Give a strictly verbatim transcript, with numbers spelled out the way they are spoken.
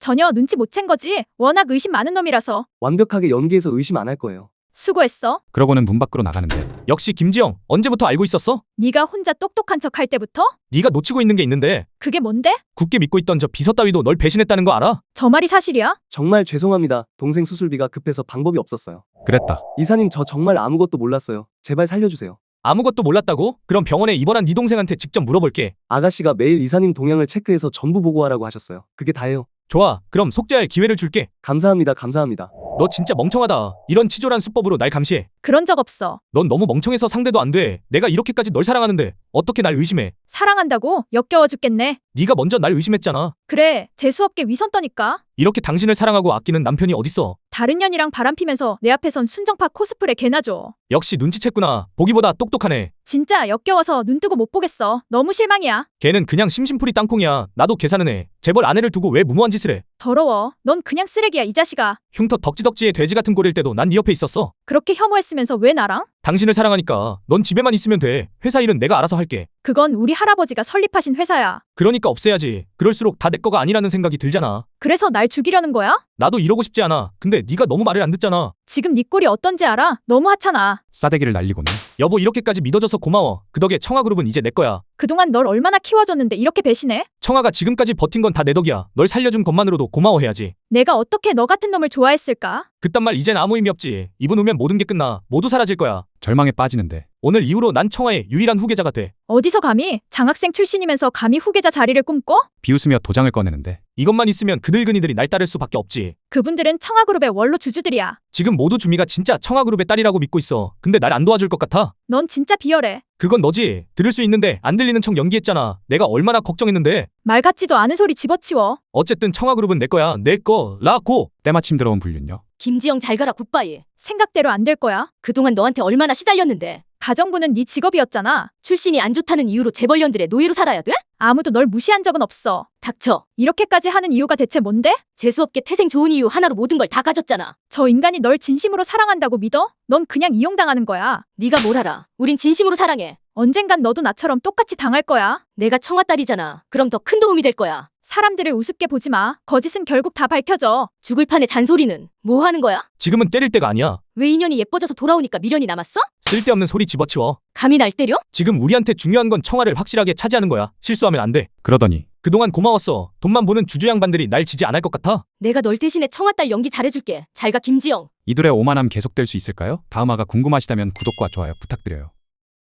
전혀 눈치 못 챈 거지. 워낙 의심 많은 놈이라서. 완벽하게 연기해서 의심 안 할 거예요. 수고했어. 그러고는 문 밖으로 나가는데 역시 김지영, 언제부터 알고 있었어? 네가 혼자 똑똑한 척 할 때부터? 네가 놓치고 있는 게 있는데 그게 뭔데? 굳게 믿고 있던 저 비서 따위도 널 배신했다는 거 알아? 저 말이 사실이야? 정말 죄송합니다. 동생 수술비가 급해서 방법이 없었어요. 그랬다. 이사님 저 정말 아무것도 몰랐어요. 제발 살려주세요. 아무것도 몰랐다고? 그럼 병원에 입원한 네 동생한테 직접 물어볼게. 아가씨가 매일 이사님 동향을 체크해서 전부 보고하라고 하셨어요. 그게 다예요. 좋아, 그럼 속죄할 기회를 줄게. 감사합니다. 감사합니다. 너 진짜 멍청하다. 이런 치졸한 수법으로 날 감시해. 그런 적 없어. 넌 너무 멍청해서 상대도 안 돼. 내가 이렇게까지 널 사랑하는데 어떻게 날 의심해? 사랑한다고? 역겨워 죽겠네. 네가 먼저 날 의심했잖아. 그래, 재수없게 위선 떠니까. 이렇게 당신을 사랑하고 아끼는 남편이 어딨어? 다른 년이랑 바람피면서 내 앞에선 순정파 코스프레 개나 줘. 역시 눈치챘구나. 보기보다 똑똑하네. 진짜 역겨워서 눈 뜨고 못 보겠어. 너무 실망이야. 걔는 그냥 심심풀이 땅콩이야. 나도 계산은 해. 재벌 아내를 두고 왜 무모한 짓을 해? 더러워. 넌 그냥 쓰레기야, 이 자식아. 흉터 덕지덕지의 돼지 같은 꼴일 때도 난 네 옆에 있었어. 그렇게 혐오했으면서 왜 나랑? 당신을 사랑하니까 넌 집에만 있으면 돼. 회사 일은 내가 알아서 할게. 그건 우리 할아버지가 설립하신 회사야. 그러니까 없애야지. 그럴수록 다 내 거가 아니라는 생각이 들잖아. 그래서 날 죽이려는 거야? 나도 이러고 싶지 않아. 근데 네가 너무 말을 안 듣잖아. 지금 네 꼴이 어떤지 알아? 너무 하찮아. 싸대기를 날리고는 여보 이렇게까지 믿어줘서 고마워. 그 덕에 청아그룹은 이제 내 거야. 그동안 널 얼마나 키워줬는데 이렇게 배신해? 청아가 지금까지 버틴 건 다 내 덕이야. 널 살려준 것만으로도 고마워해야지. 내가 어떻게 너 같은 놈을 좋아했을까? 그딴 말 이젠 아무 의미 없지. 이분 오면 모든 게 끝나. 모두 사라질 거야. 절망에 빠지는데 오늘 이후로 난 청아의 유일한 후계자가 돼. 어디서 감히? 장학생 출신이면서 감히 후계자 자리를 꿈꿔? 비웃으며 도장을 꺼내는데 이것만 있으면 그들그니들이 날 따를 수밖에 없지. 그분들은 청아그룹의 원로 주주들이야. 지금 모두 주미가 진짜 청아그룹의 딸이라고 믿고 있어. 근데 날 안 도와줄 것 같아? 넌 진짜 비열해. 그건 너지. 들을 수 있는데 안 들리는 척 연기했잖아. 내가 얼마나 걱정했는데. 말 같지도 않은 소리 집어치워. 어쨌든 청아그룹은 내 거야. 내 거. 라고. 때마침 들어온 불륜녀. 김지영 잘 가라 굿바이. 생각대로 안 될 거야. 그동안 너한테 얼마나 시달렸는데. 가정부는 네 직업이었잖아. 출신이 안 좋다는 이유로 재벌년들의 노예로 살아야 돼? 아무도 널 무시한 적은 없어. 닥쳐. 이렇게까지 하는 이유가 대체 뭔데? 재수없게 태생 좋은 이유 하나로 모든 걸 다 가졌잖아. 저 인간이 널 진심으로 사랑한다고 믿어? 넌 그냥 이용당하는 거야. 네가 뭘 알아. 우린 진심으로 사랑해. 언젠간 너도 나처럼 똑같이 당할 거야. 내가 청아 딸이잖아. 그럼 더 큰 도움이 될 거야. 사람들을 우습게 보지 마. 거짓은 결국 다 밝혀져. 죽을 판의 잔소리는 뭐 하는 거야? 지금은 때릴 때가 아니야. 왜 인연이 예뻐져서 돌아오니까 미련이 남았어? 쓸데없는 소리 집어치워. 감히 날 때려? 지금 우리한테 중요한 건 청아를 확실하게 차지하는 거야. 실수하면 안 돼. 그러더니 그동안 고마웠어. 돈만 보는 주주 양반들이 날 지지 않을 것 같아? 내가 널 대신에 청아 딸 연기 잘해줄게. 잘 가 김지영. 이둘의 오만함 계속될 수 있을까요? 다음 화가 궁금하시다면 구독과 좋아요 부탁드려요.